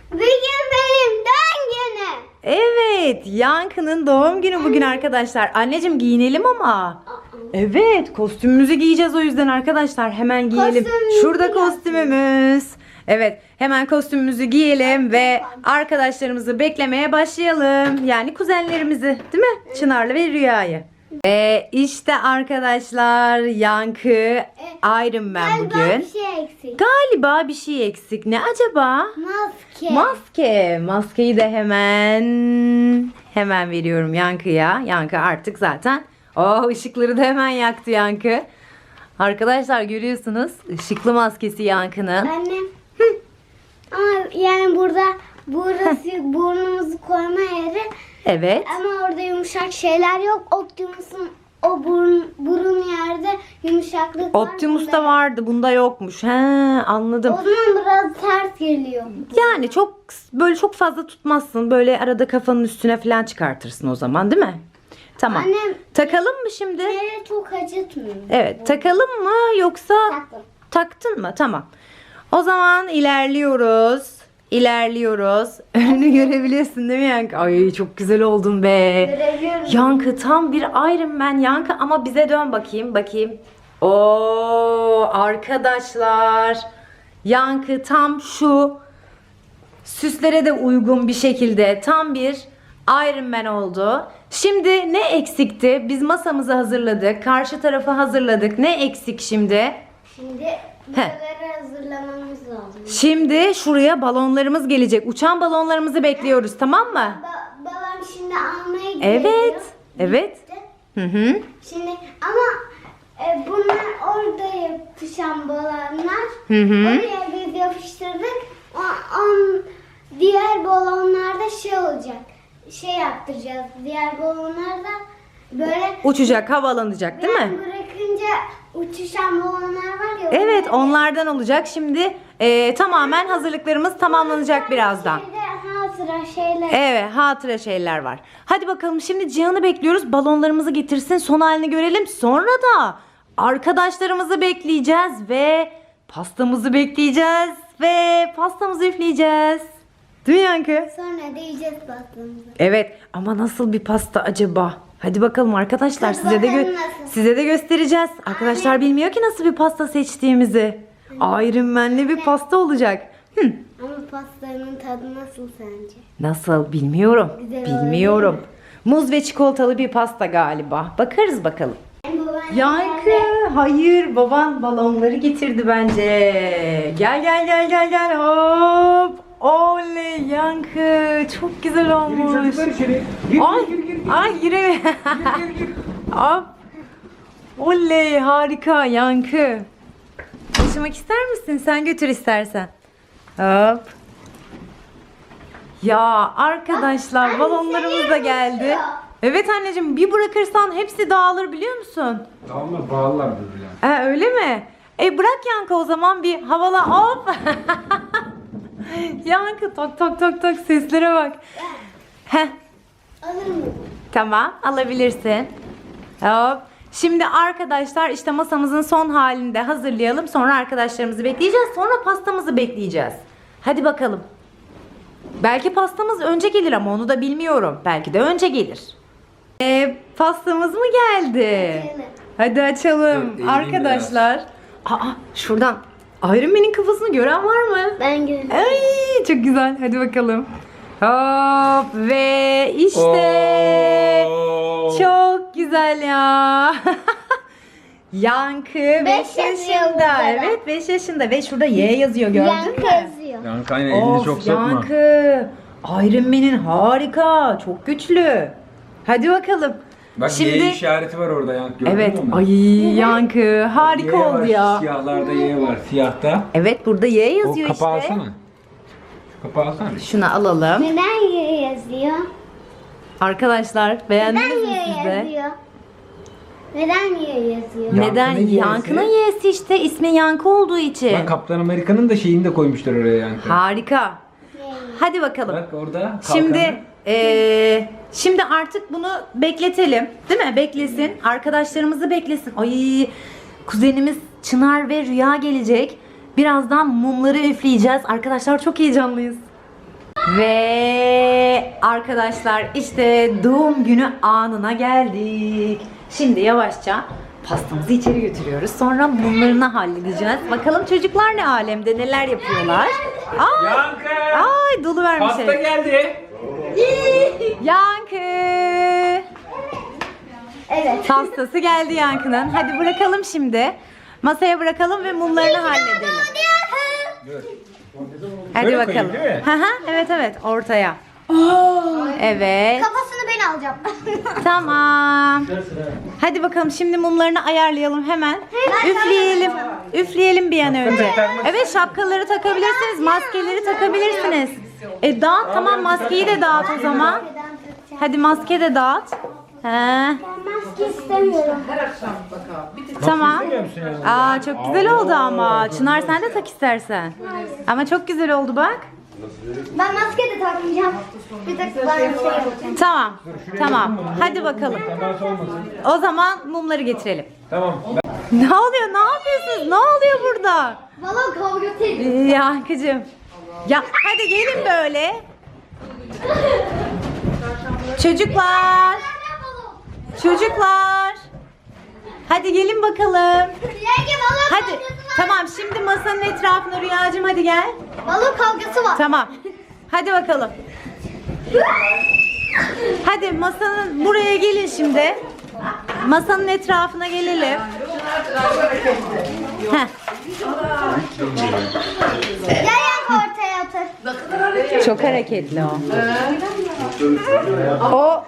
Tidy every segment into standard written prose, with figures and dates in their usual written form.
Bugün benim doğum günüm. Evet, Yankı'nın doğum günü bugün arkadaşlar. Anneciğim giyinelim ama. Evet, kostümümüzü giyeceğiz o yüzden arkadaşlar. Hemen giyelim. Kostümümüzü Şurada giyelim. kostümümüz. Evet, hemen kostümümüzü giyelim ve arkadaşlarımızı beklemeye başlayalım. Yani kuzenlerimizi, değil mi? Çınar'la ve Rüya'yı. Ve işte arkadaşlar Yankı Iron Man Galiba bugün. bir şey eksik. Galiba bir şey eksik. Ne acaba? Maske. Maske. Maskeyi de hemen veriyorum Yankı'ya. Yankı artık zaten. Oh, ışıkları da hemen yaktı Yankı. Arkadaşlar görüyorsunuz ışıklı maskesi Yankı'nın. Annem. Ama yani burası burnumuzu koyma yeri. Evet. Ama orada yumuşak şeyler yok. Optimus'un o burun yerde yumuşaklık var. Optimus'ta vardı, bunda yokmuş. He, anladım. O zaman biraz ters geliyor. Yani çok fazla tutmazsın. Böyle arada kafanın üstüne falan çıkartırsın o zaman, değil mi? Tamam. Annem Takalım mı şimdi? yere çok acıtmıyor. Evet, takalım mı yoksa Taktım. taktın mı? Tamam. O zaman ilerliyoruz. İlerliyoruz. Önünü görebiliyorsun değil mi Yankı? Ay çok güzel oldun be. Görebiliyorum. Yankı tam bir Iron Man Yankı ama bize dön bakayım. Oo arkadaşlar. Yankı tam şu süslere de uygun bir şekilde tam bir Iron Man oldu. Şimdi ne eksikti? Biz masamızı hazırladık. Karşı tarafı hazırladık. Ne eksik şimdi? Şimdi buraları hazırlamamız lazım. Şimdi şuraya balonlarımız gelecek. Uçan balonlarımızı bekliyoruz, tamam mı? Babam şimdi almaya gidiyor. Evet. Evet. Gitti. Hı hı. Şimdi ama bunlar orada yapışan balonlar. Hı hı. Oraya biz yapıştırdık. Diğer balonlarda şey olacak. Şey yaptıracağız. Diğer balonlarda böyle Uçacak, havalanacak, değil ben mi? bırakınca uçuşan balonlar var ya. Evet, onlardan olacak. Şimdi tamamen hazırlıklarımız tamamlanacak birazdan. Hatıra şeyler. Evet, hatıra şeyler var. Hadi bakalım şimdi Cihan'ı bekliyoruz. Balonlarımızı getirsin, son halini görelim. Sonra da arkadaşlarımızı bekleyeceğiz ve pastamızı bekleyeceğiz ve pastamızı üfleyeceğiz. Değil mi Yankı? Sonra da yiyeceğiz pastamızı. Evet, ama nasıl bir pasta acaba? Hadi bakalım arkadaşlar, Hadi size de bakalım nasıl? size de göstereceğiz. Arkadaşlar bilmiyor ki nasıl bir pasta seçtiğimizi. Iron Man'li bir pasta olacak. Ama pastanın tadı nasıl sence? Nasıl bilmiyorum. Güzel Bilmiyorum. Muz ve çikolatalı bir pasta galiba. Bakarız bakalım. Yankı, hayır, baban balonları getirdi bence. Gel hop. Oley Yankı, çok güzel olmuş. Çocuklar içeri. Gir, Ay, gir, gir, gir. ay gireme. Gir. Hop. Oley, harika Yankı. Taşımak ister misin? Sen götür istersen. Hop. Ya arkadaşlar Anne, balonlarımız da geldi. yapıyor. Evet anneciğim, bir bırakırsan hepsi dağılır biliyor musun? Tamam mı? Bağlılar birbirine. Öyle mi? Bırak Yankı o zaman bir havala hop. Yankı tok tok tok tok seslere bak. Heh, Alır mı? tamam alabilirsin. Hop. Şimdi arkadaşlar işte masamızın son halini de hazırlayalım. Sonra arkadaşlarımızı bekleyeceğiz. Sonra pastamızı bekleyeceğiz. Hadi bakalım. Belki pastamız önce gelir ama onu da bilmiyorum. Belki de önce gelir. Pastamız mı geldi? Açalım. Hadi açalım. Dur, eğileyim Arkadaşlar. Şuradan Iron Man'in kafasını gören var mı? Ben gördüm. Ay çok güzel. Hadi bakalım. Hop ve işte Oo. çok güzel ya. Yankı 5 Beş yazıyor yaşında. burada. Evet 5 yaşında ve şurada Y yazıyor gördün Yankı mü? yazıyor. Yankı aynen elini Of, çok sokma. Yankı. Iron Man'in harika. Çok güçlü. Hadi bakalım. Bak Y işareti var orada Yankı, gördün Evet. mü onu? Ay Yankı harika Y var, oldu ya. Siyahlarda Y var. Siyahta. Evet burada Y O yazıyor kapağı işte. alsana. Kapağı alsana. Şunu alalım. Neden Y yazıyor? Arkadaşlar beğendiniz Neden mi Y siz de? yazıyor? Neden Y yazıyor? Neden? Yankı'nın Y'si. Yankı'nın Y'si işte ismi Yankı olduğu için. Bak Kaptan Amerika'nın da şeyini de koymuşlar oraya Yankı. Harika. Hadi bakalım. Bak orada kalkanı. Şimdi artık bunu bekletelim. Değil mi? Beklesin. Arkadaşlarımızı beklesin. Ay kuzenimiz Çınar ve Rüya gelecek. Birazdan mumları üfleyeceğiz. Arkadaşlar çok heyecanlıyız. Ve arkadaşlar işte doğum günü anına geldik. Şimdi yavaşça pastamızı içeri götürüyoruz. Sonra mumlarını halledeceğiz. Bakalım çocuklar ne alemde, neler yapıyorlar. Aa, Yankı! ay dolu vermiş. Pasta geldi. Yankı. Evet. Pastası geldi Yankı'nın. Hadi bırakalım şimdi. Masaya bırakalım ve mumlarını halledelim. Hadi Böyle bakalım. koyayım, değil mi? Hı hı, evet evet, ortaya. Evet. Kafasını ben alacağım. Tamam. Hadi bakalım şimdi mumlarını ayarlayalım hemen. Üfleyelim. Üfleyelim bir an önce. Evet, şapkaları takabilirsiniz, maskeleri takabilirsiniz. Dağıt, tamam, maskeyi de dağıt o zaman. Hadi maske de dağıt. He. Maske istemiyorum. Tamam. İstemiyor musun yani? Aa, çok güzel oldu ama. Çınar sen de tak istersen. Ama çok güzel oldu bak. Ben maske de takmayacağım. Bir tek ben şey yapacağım. Tamam. Tamam. Hadi bakalım. Temas olmasın. O zaman mumları getirelim. Tamam. Ne oluyor? Ne yapıyorsunuz? Ne oluyor burada? Balon kavga tek. Yankıcığım. Ya hadi gelin böyle. Çocuklar. Çocuklar. Hadi gelin bakalım. Yenge balon Hadi. kavgası var. Tamam, şimdi masanın etrafına Rüyacığım hadi gel. Balon kavgası var. Tamam. Hadi bakalım. Hadi masanın buraya gelin şimdi. Masanın etrafına gelelim. Heh. Gel Yenge ortaya otur. Çok hareketli o. O.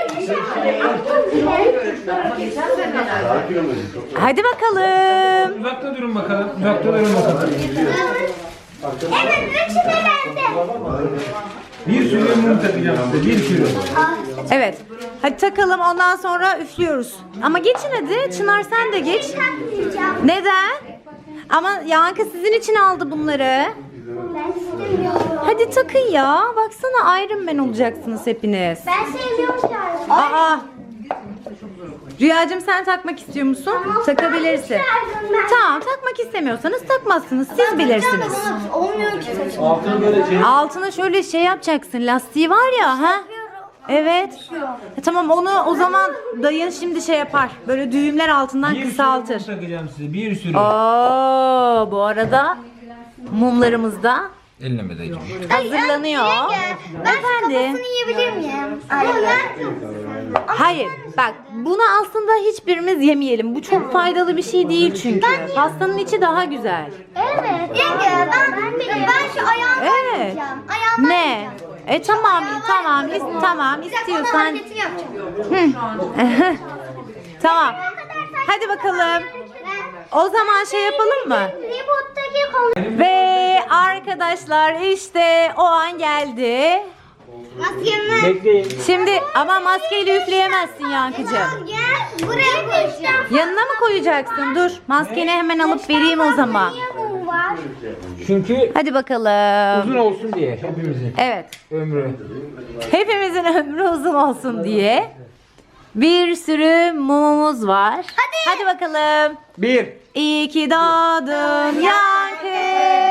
Hadi bakalım. Uzakta durun bakalım. Uzakta durun bakalım. Evet, üçü de bende. Bir sürü mum takacağım size. Bir sürü. Evet. Hadi takalım, ondan sonra üflüyoruz. Ama geçin hadi. Çınar sen de geç. Takmayacağım. Neden? Ama Yankı sizin için aldı bunları. Ben istemiyorum. Hadi takın ya. Baksana, Iron Man olacaksınız hepiniz. Ben sevmiyorum şarkı. Aa. Rüyacığım sen takmak istiyor musun? Takabilirsin. Tamam, takmak istemiyorsanız takmazsınız. Siz bilirsiniz. Olmuyor ki saçım. Altına şöyle şey yapacaksın. Lastiği var ya, ha? Evet. Tamam, onu o zaman dayın şimdi şey yapar. Böyle düğümler altından Bir sürü kısaltır. mum takacağım size. Bir sürü. Oo, bu arada mumlarımız da Elleme dayıcım. hazırlanıyor. Ben Efendim? kafasını yiyebilir miyim? Ama Hayır, bak bunu aslında hiçbirimiz yemeyelim. Bu çok faydalı bir şey değil çünkü. Pastanın içi daha güzel. evet. Yenge ben şu ayağımdan Evet. yiyeceğim. Ayağımdan Ne? yiyeceğim. Tamam, tamam, tamam, Bir dakika, onun istiyorsan. hareketini yapacağım. Tamam. Hadi bakalım. O zaman şey yapalım mı? Reboot'taki konu. Ve arkadaşlar işte o an geldi. Maskemi. Bekleyin. Şimdi ama maskeyle üfleyemezsin Yankıcığım. Gel buraya koyacağım. Yanına mı koyacaksın? Dur. Maskeni hemen alıp vereyim o zaman. Niye mum var? Çünkü Hadi bakalım. uzun olsun diye hepimizin Evet. ömrü. Hepimizin ömrü uzun olsun diye bir sürü mumumuz var. Hadi bakalım. Bir. İyi ki doğdun Yankı.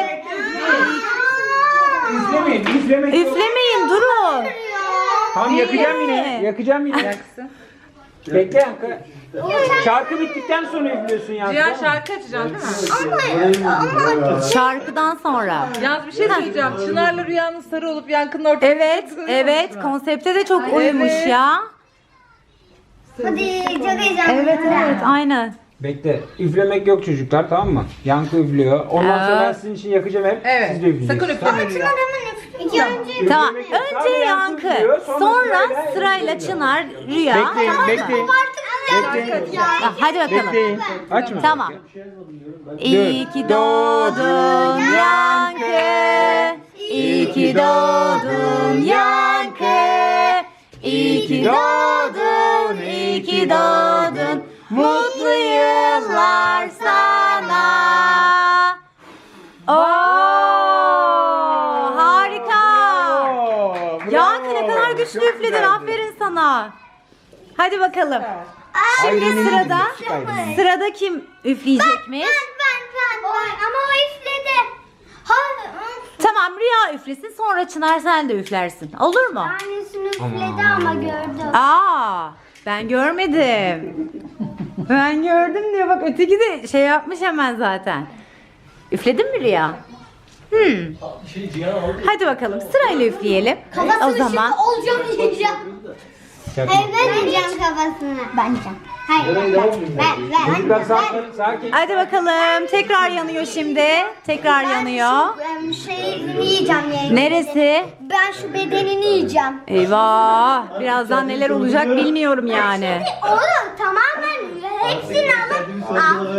Üflemeyin. Üflemek yok. Üflemeyin, durun. Tamam, yakacağım yine. Üfleme. Yakacağım yine. Bekle Yankı. Şarkı bittikten sonra üflüyorsun Yankı. Cihan şarkı açacaksın değil mi? Ama Şarkıdan sonra. Yalnız bir şey söyleyeceğim. Çınar'la Rüya'nın sarı olup Yankı'nın ortaya. Evet, evet. Konsepte de çok uymuş Evet. ya. hadi çok heyecanlıyım. Evet, evet, aynen. Bekle. Üflemek yok çocuklar, tamam mı? Yankı üflüyor. Ondan sonra ben Evet. sizin için yakacağım hep. Evet. Siz de üfleyeceksiniz. Sakın üfleme Rüya. İki önce Tamam. Üflemek yok. Önce Tamam, Yankı, üflüyor, sonra sırayla sırayla Çınar, Rüya. Bekleyin, Tamam mı? bekleyin. Bekleyin. Hadi bakalım. Bekleyin. Açma. Tamam. İyi ki doğdun Yankı. İyi ki doğdun Yankı. İyi ki doğdun, iyi ki doğdun. Mutlu yıllar sana. Oo, harika. Oo, bravo. Yankı ne kadar güçlü Çok üfledin. güzeldi. Aferin sana. Hadi bakalım. Şimdi Aynen sırada öyle. Aynen. sırada kim üfleyecekmiş? ben. Ama o üfledi. Hayır. Tamam, Tamam, Rüya üflesin, sonra Çınar sen de üflersin. Olur mu? Tanesini üfledi ama gördüm. Aa, ben görmedim. Ben gördüm diyor, bak öteki de şey yapmış hemen zaten. Üfledin mi Rüya? Hadi bakalım, sırayla üfleyelim. Kafasını O zaman şimdi olacağım yiyeceğim. Hayır ben yiyeceğim kafasını. Ben yiyeceğim. Hayır ben. Çocuklar sakin, sakin. hadi bakalım, tekrar yanıyor şimdi. Tekrar yanıyor. Şeyini yiyeceğim yani. Neresi? Ben şu bedenini yiyeceğim. Eyvah, birazdan neler olacak bilmiyorum yani. Oğlum tamamen hepsini alıp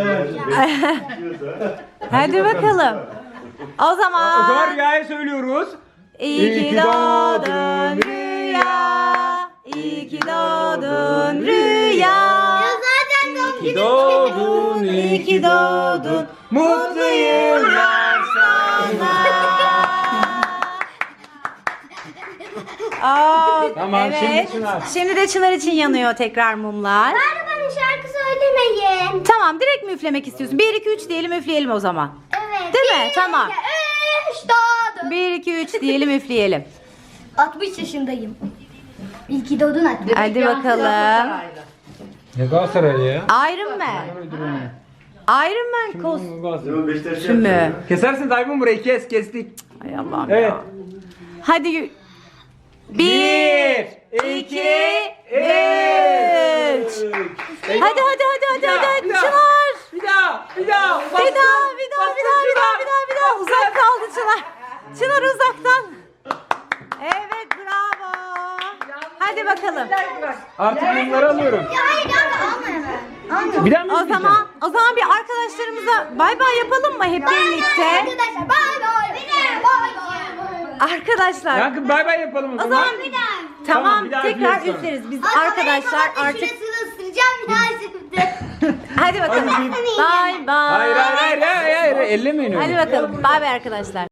Hadi bakalım. O O zaman zaman Rüya'ya söylüyoruz. İyi ki doğdun Rüya, iyi ki doğdun Rüya. zaten doğum günü. Doğdun, İyi ki doğdun, mutlu yıllar sana. Aa, Tamam, evet. şimdi Çınar. Şimdi de Çınar için yanıyor tekrar mumlar. Bari bana şarkı söylemeyin. Tamam, direkt mi üflemek istiyorsun? 1 2 3 diyelim, üfleyelim o zaman. Evet. Değil mi? Tamam. 3 doğdum. 1 2 3 diyelim, üfleyelim. 60 yaşındayım. İyi ki doğdun Atlı. Hadi bakalım. Ne Galatasaraylı ya? Iron Man. Iron Man kostümü. Kesersin Tayfun, burayı kestik. Ay Allah'ım Evet. ya. Hadi 1 1, 2 2, 3. Hadi Çınar. Bir daha. Bir daha. Uzak kaldı Çınar. Çınar uzaktan. Evet, bravo. Hadi bakalım. Artık bunları alıyorum. Ya hayır kanka alma hemen. Bir daha mı O üfleyeceğim? zaman bir arkadaşlarımıza bay bay yapalım mı hep birlikte? Arkadaşlar bay bay. Bay bay. Arkadaşlar. Yankı bay bay yapalım o O zaman. zaman Bir daha. tamam, bir daha tekrar üfleriz sonra. üfleriz. Biz arkadaşlar artık Şurasını ısıracağım ya şimdi. hadi bakalım. Hadi. Bay bay. Hayır. Ellemeyin öyle. Hadi bakalım. Bay bay arkadaşlar.